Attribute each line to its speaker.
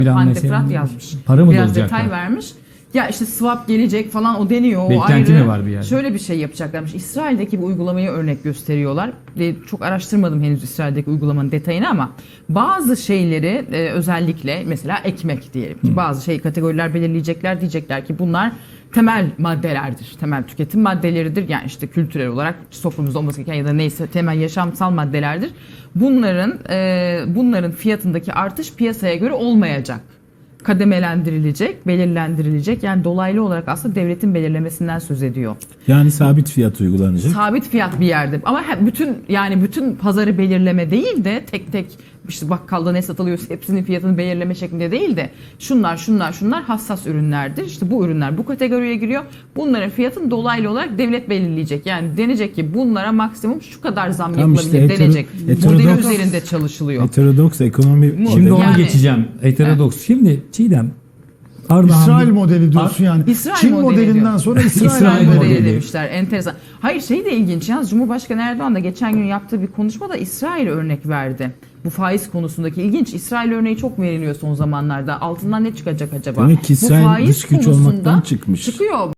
Speaker 1: Hande Fırat yazmış.
Speaker 2: Para mı
Speaker 1: Biraz
Speaker 2: dolacaklar?
Speaker 1: detay vermiş. Ya işte swap gelecek falan o deniyor.
Speaker 2: Beklenti
Speaker 1: o ayrı.
Speaker 2: mi var bir yerde?
Speaker 1: Şöyle bir şey yapacaklarmış. İsrail'deki bir uygulamayı örnek gösteriyorlar. Çok araştırmadım henüz İsrail'deki uygulamanın detayını ama bazı şeyleri özellikle mesela ekmek diyelim ki bazı kategoriler belirleyecekler, diyecekler ki bunlar temel maddelerdir. Temel tüketim maddeleridir. Yani işte kültürel olarak toplumumuzda olması gereken ya da neyse temel yaşamsal maddelerdir. Bunların fiyatındaki artış piyasaya göre olmayacak. Kademelendirilecek, belirlendirilecek. Yani dolaylı olarak aslında devletin belirlemesinden söz ediyor.
Speaker 3: Yani sabit fiyat uygulanacak.
Speaker 1: Sabit fiyat bir yerde. Ama bütün pazarı belirleme değil de tek tek işte bakkalda ne satılıyorsa hepsinin fiyatını belirleme şeklinde değil de şunlar hassas ürünlerdir. İşte bu ürünler bu kategoriye giriyor. Bunların fiyatını dolaylı olarak devlet belirleyecek. Yani denecek ki bunlara maksimum şu kadar zam
Speaker 3: Tam
Speaker 1: yapılabilir
Speaker 3: işte
Speaker 1: denecek. Modeli
Speaker 3: heterodoks-
Speaker 1: üzerinde çalışılıyor.
Speaker 3: Heterodoks ekonomi
Speaker 1: Şimdi
Speaker 2: Şimdi ona
Speaker 1: Yani-
Speaker 2: geçeceğim. Heterodoks. Şimdi Çiğdem. Ardahan
Speaker 4: İsrail
Speaker 2: bir-
Speaker 4: modeli diyorsun yani.
Speaker 1: İsrail
Speaker 4: Çin
Speaker 1: modeli
Speaker 4: modelinden
Speaker 1: diyor.
Speaker 4: sonra İsrail,
Speaker 2: İsrail
Speaker 4: modeli.
Speaker 2: modeli.
Speaker 1: demişler. Enteresan. Hayır de ilginç. Yalnız Cumhurbaşkanı Erdoğan da geçen gün yaptığı bir konuşmada İsrail örnek verdi. Bu faiz konusundaki ilginç. İsrail örneği çok veriliyor son zamanlarda. Altından ne çıkacak acaba?
Speaker 3: Demek ki
Speaker 1: Bu
Speaker 3: İsrail
Speaker 1: faiz
Speaker 3: dış güç
Speaker 1: konusunda
Speaker 3: olmaktan çıkmış.
Speaker 1: Çıkıyor.